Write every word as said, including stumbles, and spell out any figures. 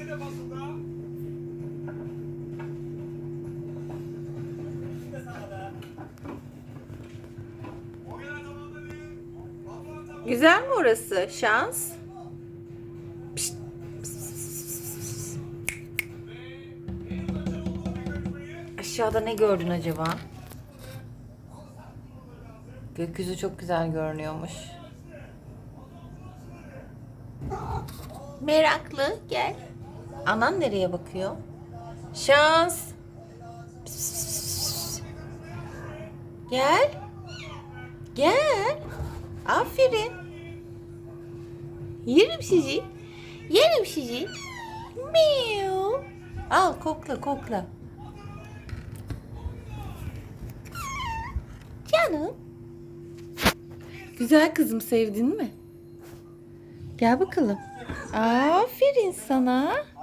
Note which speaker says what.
Speaker 1: Güzel mi orası? Şans. Pişt. Aşağıda ne gördün acaba? Gökyüzü çok güzel görünüyormuş. Meraklı, gel. Anan nereye bakıyor? Şans. Gel. Gel. Aferin. Yerim sizi. Yerim sizi. Miau. Al kokla kokla. Canım. Güzel kızım, sevdin mi? Gel bakalım. Aferin sana.